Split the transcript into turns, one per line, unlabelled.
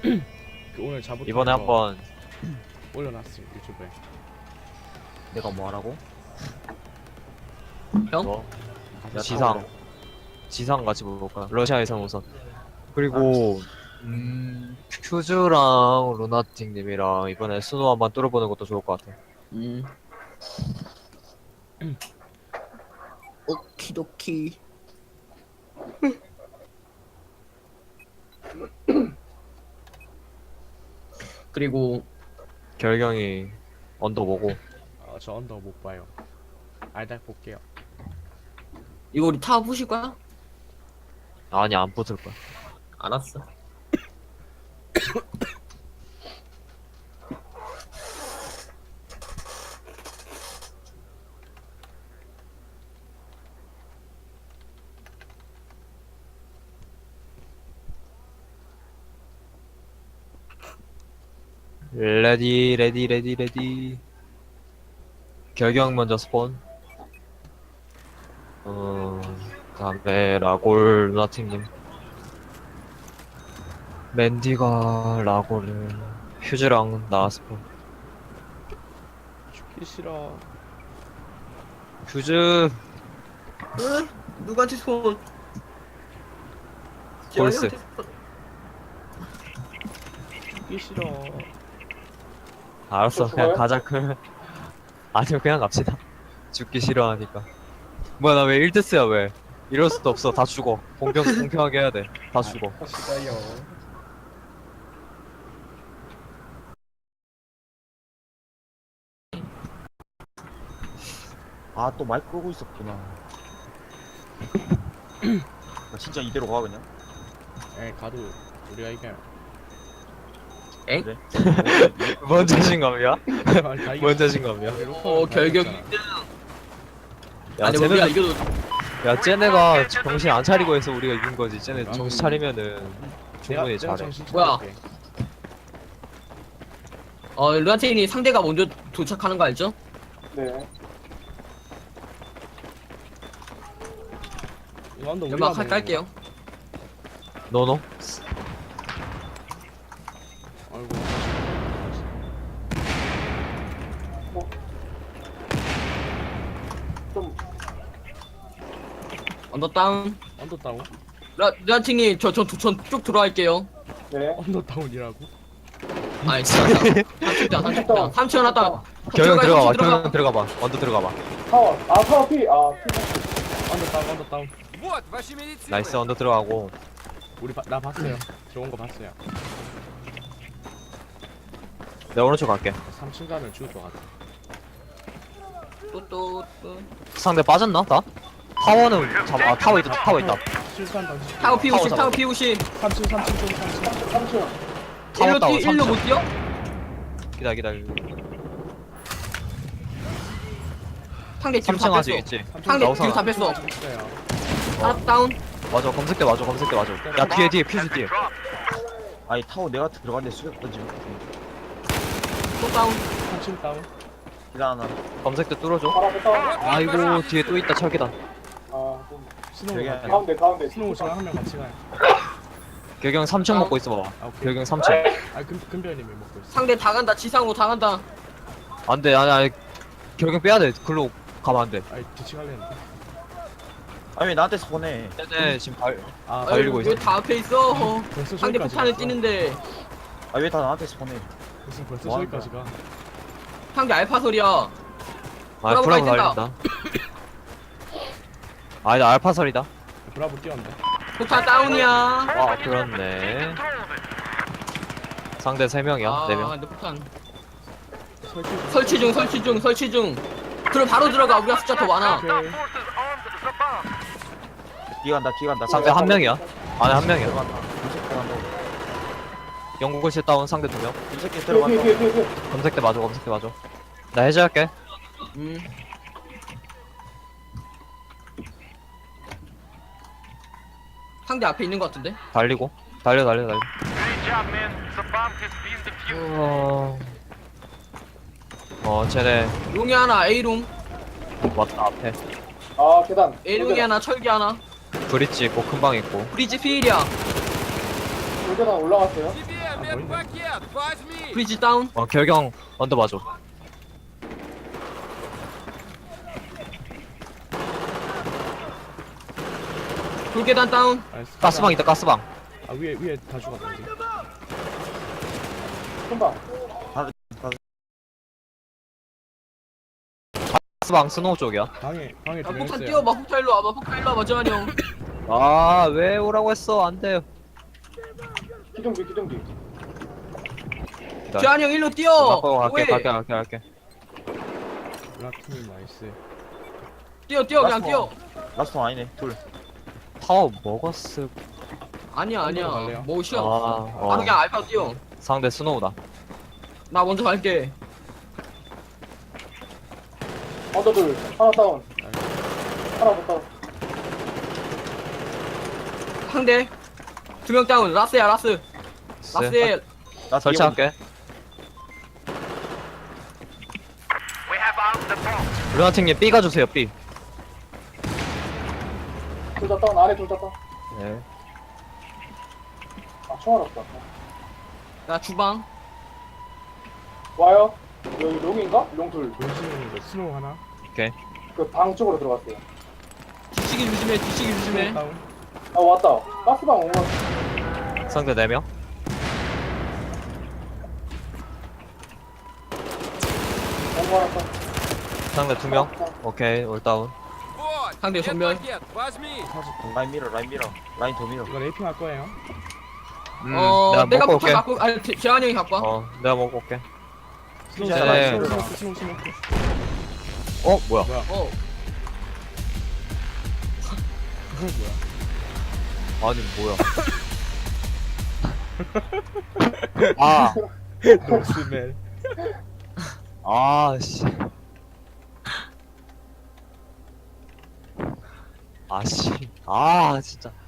그 오늘 자부터
이번에 한번
올려놨어 유튜브에.
내가 뭐 하라고?
형?
뭐
가서
지상 지상 같이 볼까? 러시아에선 우선. 그리고 퓨즈랑 루나틱님이랑 이번에 스노우 한번 뚫어보는 것도 좋을 것 같아.
오키도키. 그리고
결경이 언더 보고
저 언더 못 봐요. 알닥 볼게요.
이거 우리 타워 부실 거야?
아니 안 붙을 거야.
알았어.
레디 레디 레디 레디. 결경 먼저 스폰. 그다음에 라골 루나틱님. 맨디가 라골을 휴즈랑 나 스폰.
죽기 싫어.
휴즈
응? 누구한테 손?
볼스.
재환이한테 손.
죽기 싫어.
알았어 그냥 가자. 아니요 그냥 갑시다. 죽기 싫어하니까. 뭐야 나 왜 1데스야 왜? 이럴 수도 없어. 다 죽어. 공평하게 해야 돼. 다 죽어.
싫어요.
아, 또 마이크 끄고 있었구나. 나 진짜 이대로 가, 그냥?
에 가도 우리가 이겨요.
엥?
그래?
뭔 자신감이야?
다 이겨.
뭔 자신감이야?
결격.
야
아니 우리가
쟤네가
이겨도
야 쟤네가 정신 안 차리고 해서 우리가 이긴 거지. 쟤네 정신 차리면은 충분히 잘해.
뭐야? 루아테인이 상대가 먼저 도착하는 거 알죠?
네.
연막 깔게요.
너너?
아이고.
좀
언더 다운.
언더 다운?
루아테인이 쭉 들어갈게요.
네.
언더 다운이라고?
아니 진짜 30대 30대 하나
경영 들어가봐.
들어가.
경영 들어가봐. 언더 들어가봐.
타워. 아, 타워 P. 아, P.
언더 다운 언더 다운.
나이스 언더 들어가고.
나 봤어요. 들어온 거 봤어요.
내가 오른쪽 갈게.
3층 가면 죽을 것 같아.
또
상대 빠졌나? 다? 타워는 잡아. 아 타워 있다. 타워 있다.
실수한 당신.
타워 P50
타워
타워 P50
3층 쪽 3층.
3층.
타워 다운.
1로 못 뛰어?
기다려.
상대 뒤로
3층
다
아직
뺐어.
있지.
상대
나오잖아.
뒤로 다 뺐어.
있어요.
하나 다운.
맞아. 검색대 맞아. 야 뒤에 퓨즈 뒤에.
아니, 타워 내가 들어갔는데 수격 던지면.
또 다운.
3층 다운.
기다 하나.
검색대 뚫어줘.
바로 앞에 타워.
아이고 뒤에 또 있다. 철계단.
아, 좀.
스노우
저기
갈게요.
가운데.
스노우 저랑 한 명 같이 가요.
결경 3층 먹고 있어 봐봐.
아, 오케이.
결경 3층.
아 금별님이 먹고 있어.
상대 다 간다. 지상으로 다 간다.
안돼. 아니 결경 빼야 돼. 글로 가면 안 돼.
아이 뒤치 갈랬는데.
아니, 왜 나한테 스폰해?
쟤네 지금
아
달리고 있어.
왜다 앞에 있어?
벌써
상대
저기까지
폭탄을
갔어.
뛰는데
아, 왜 다 나한테 스폰해?
벌써
뭐 하는
저기까지 가.
상대 알파설이야.
아
브라보
브라보
가야
달린다. 아니 나 알파설이다.
브라보 뛰었네.
폭탄 다운이야.
아 그렇네. 상대 3명이야. 4명.
근데 폭탄
설치.
설치 중. 그럼 바로 들어가. 우리가 숫자 더 많아.
오케이.
뒤에 간다.
상대 1명이야. 안에 1명이야.
들어간다. 검색 들어간다고.
영국을시 다운 상대 2명.
검색기
뒤에,
들어간다.
뒤에.
검색대 맞아. 나 해제할게.
상대 앞에 있는 것 같은데?
달리고. 달려. 쟤네
롱이 하나, A롱.
왔다 앞에.
아, 계단.
A롱이 하나, 철기 하나.
브릿지 있고 큰 방 있고.
브리지 필이야.
계단 올라갔어요.
보이네.
브리지 다운.
결경 언더 봐줘.
돌계단 다운.
나이스.
가스방 있다 가스방.
아 위에 다 죽었다 여기.
금방.
가스방 스노우 쪽이야.
방에
야,
두명
폭탄
있어요.
뛰어봐. 폭탄 일로 와봐. 폭탄 일로 와봐. 정한이 형.
아 왜 오라고 했어? 안 돼요.
기둥기.
정한이 형 일로 뛰어.
바꿔
왜?
갈게.
라팀 나이스.
뛰어 그냥 뛰어.
라스트 아니네. 둘.
타워 먹었을.
아니야.
갈래요?
뭐 쉬어.
어.
바로 그냥 알파 뛰어.
상대 스노우다.
나 먼저 갈게.
언더 둘. 하나 다운. 하나 더 다운.
상대. 2명 다운. 라스야 라스. 라스에
나
설치할게. 루나팅님 B 가주세요 B.
둘다 다운. 안에 둘 다 다운.
네.
아 총알 없다.
나 주방.
와요. 여기 롱인가? 롱 둘.
용신이 이거 스노우 하나.
그 방 쪽으로 들어갔어요.
뒤치기 조심해.
다운.
아 왔다. 가스방 온 거. 같아.
상대 4명.
온거 하나 다운.
상대 2명. 오케이 올다운.
상대 정면.
라인 밀어. 라인 더 밀어.
이거 레이핑 할 거예요.
내가
먹고
폭탄
올게.
갖고 아니 재환이 형이 갖고 와.
내가 먹고 올게.
스노우
네.
스노우.
뭐야?
어.
뭐야?
아니 뭐야? 아,
노스멜.
씨. 진짜.